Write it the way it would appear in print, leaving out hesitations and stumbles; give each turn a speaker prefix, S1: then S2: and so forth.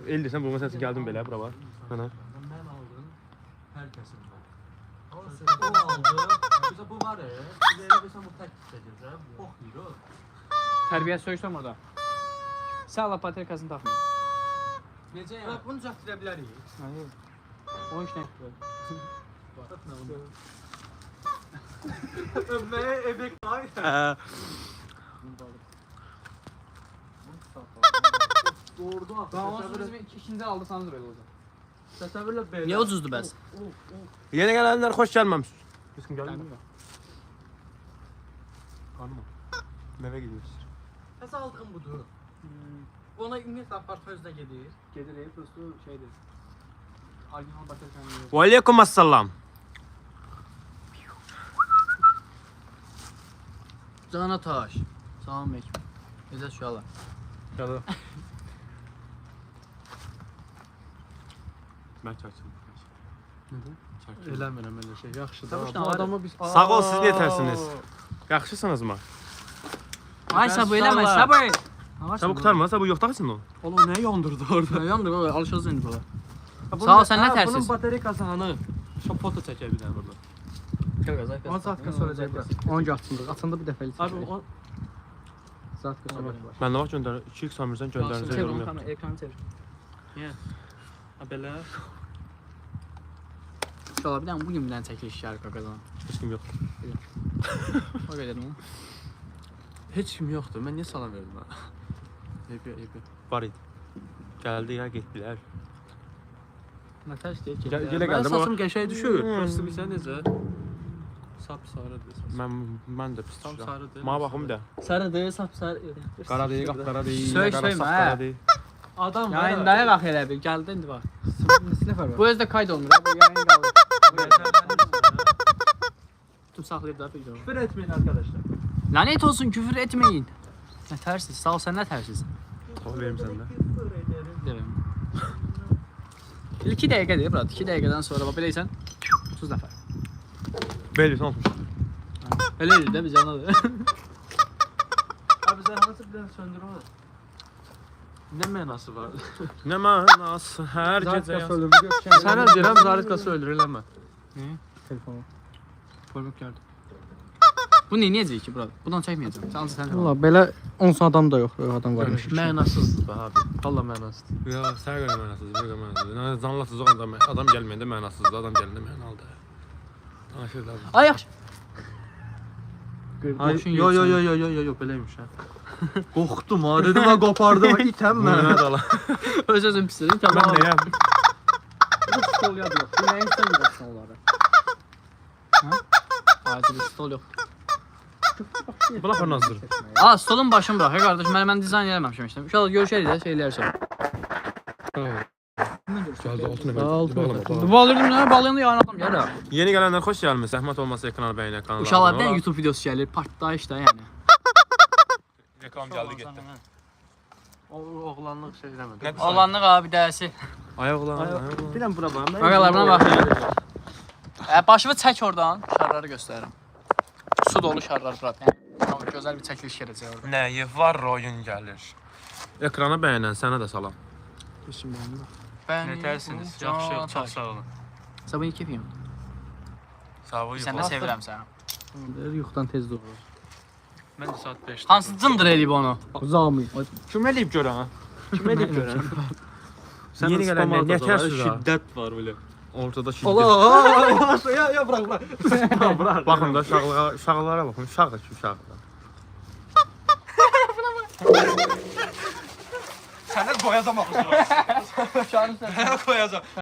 S1: El desən, bu məsələn gəldim belə bura bax. Mənə.
S2: Mən aldım hər kəsimdən. O aldı. Bizə bu var ya. Biz elə bilsən bu tək çəkəcək. Box yeyir o.
S3: Tərbiyə söyüşdüm orada. Sən Allah baterkasını taxmıyor.
S2: Necə yəni? Bunu düzəltdirə bilərik.
S3: Hayır. O iş nə?
S2: Ömməyə ebek var. Doğurdu axı.
S3: Ben onu sonra ikinciden aldıysanız böyle olacak.
S2: Təsəvvürlə belə.
S3: Niye ucuzdu bəs?
S1: Yeni gələnlər xoş gəlməmisiniz. Biz kim gəldi? Qanım. Nəvə gidiyoruz.
S2: Həsə aldığım budur. Ona ümumiyyətlə apart özünə gedir.
S3: Gedir ev prosto şeydir. Orijinal baterkanı.
S1: Və aleykum assalam.
S3: Cana taş. Salam aleyküm. Necə uşaqlar?
S1: Gəl. Mən çəkdim.
S2: Eləmirəm elə şey. Yaxşı
S3: da.
S2: Bu adamı biz
S1: Sağ ol, siz nətərsiniz? Yaxşısınızmı?
S3: Ay sabır eləmə, sabır.
S1: Sabır qurtarma, sabır yoxdaqsın o.
S2: Oğlum ne yandırdı orada?
S3: Nə yandı o? Alışacağız indi bura. Sağ ol, sən nə tərsiz?
S2: Bunun bataryası hanı? Şu foto çəkə bir dənə burada. On saatka soracaqlar.
S3: 10 açıldı. Açanda bir dəfəlik.
S2: Abi o
S3: Saatka soracaqlar.
S1: Mən nə vaxt göndər? 2x Samirdən göndərinizə yorum yox.
S3: Ekranı çevir.
S2: ha belə.
S3: İnşallah bir dənə bugün bir dənə çəkiliş gəlir qaqadan.
S1: Heç kim yox.
S3: O qədər mi?
S2: Heç kim yoxdur. Mən niyə salam verdim ha? Eybi.
S1: Var idi. Gəldi ya, getdilər.
S3: Nə tərs deyək ki?
S1: Gələ
S2: Mən
S1: gəldim
S2: saçım
S1: amma
S2: qəşəng düşür. Prosto bilsən necə? Sap sarıdır saçım.
S1: mən də pis
S2: Tam
S1: düşürəm.
S2: sarıdır.
S1: Mənə baxım da.
S3: Sarıdır, sapsarı.
S1: Qara deyil, qapqara deyil.
S3: Söy,
S1: qara,
S3: söymə,
S1: sap
S3: hə.
S1: qara deyil.
S2: Adam var.
S3: Yayın daya bax elə bir. Gəldi indi bax.
S2: Neçə nəfər var?
S3: Bu özdə kayd olmur. Bu yayın qalır. Tutub saxlayıb da video.
S2: Küfür etmeyin arkadaşlar.
S3: Lanet olsun, küfür etmeyin. Nə tərsiz? Sağ ol, sən nə tərsiz?
S1: Sağ verim səndə.
S3: Deyirəm. 2 dəqiqədir, brat. 2 dəqiqədən sonra bax beləysən 30 nəfər.
S1: Belə olmuş.
S3: Elə elə də biz yanadır.
S2: Abi sen nasıl bir söndür onu? Ne mənası var?
S1: Nə mənası hər gecə yaz.
S2: Sənə deyirəm Zaritkası öldür eləmə.
S3: Telefonu. Poluk gəldi. Bu nə necə ki, brat? Bundan çəkməyəcəm. Sən ancaq sən.
S4: Valla belə 10 adam da yox, adam varmış.
S2: Mənasızdır be abi. Valla mənasızdır.
S1: Ya, sən görə mənasız, bir görə mənasız. Zanlasız o adam gəlməyəndə mənasızdır, adam gələndə mənalıdır. Danışırlar.
S3: Ay yaxşı.
S2: Yo beləymiş ha. Qorxdum ha, dedim ha qopardım ha, itəm mən.
S1: Mənə dala.
S3: Öz özüm pislədim.
S1: Mən
S3: Tamam.
S1: nəyəm?
S3: Bu stol yadı yox. Bu nəyin sən yiyəsən onları? Ha? Acil stol yox.
S1: Buna xor nazır.
S3: Aa, stolun başını bırak. Qardaş, mən dizayn eləməmişəm işte. İnşallah görüşərik də şeylər.
S1: Gəldi altına
S3: Bu bağlıyordum ya, bağlayandı yarın adam gəlir.
S1: Yeni gələnlər xoş gəlmiş. Zəhmət olmasa ekrana bəyənə kanala.
S3: İnşallah bir YouTube videosu gəlir. Partlayış da yəni.
S1: Reklam gəldi getdi.
S2: Oğlanlıq şey eləmədi.
S3: Oğlanlıq abi dərsi.
S1: Ayaq ulan.
S2: Bilən bura bax.
S3: Qaqalar buna bax. Başımı çək oradan. Şarları göstərirəm. Su dolu şarlar bura. Yəni gözəl bir çəkiliş gələcək orada.
S1: Nəyi var oyun gəlir. Ekrana bəyənən sənə də salam.
S2: Nətərsiniz? Yaxşı, çox sağ olun.
S3: Sabah ilk yapayım.
S1: Sağ ol.
S3: Sən də sevirəm səni.
S4: Yuxudan tez doğru.
S2: Mən də saat 5-də.
S3: Hansı cındır eləyib onu?
S4: Zami.
S1: Kim eləyib görən ha? Kim eləyib görən? Yeni gələnlər nə tərsiz ha?
S2: Şiddət var belə.
S1: Ortada şiddət.
S2: Allah! Ya bırak. Bırak.
S1: Baxın da uşaqlara baxın. Uşaqdır ki, uşaqdır. Sənə qoyacam axı.
S3: Şarjı sən.
S1: Sənə qoyacam.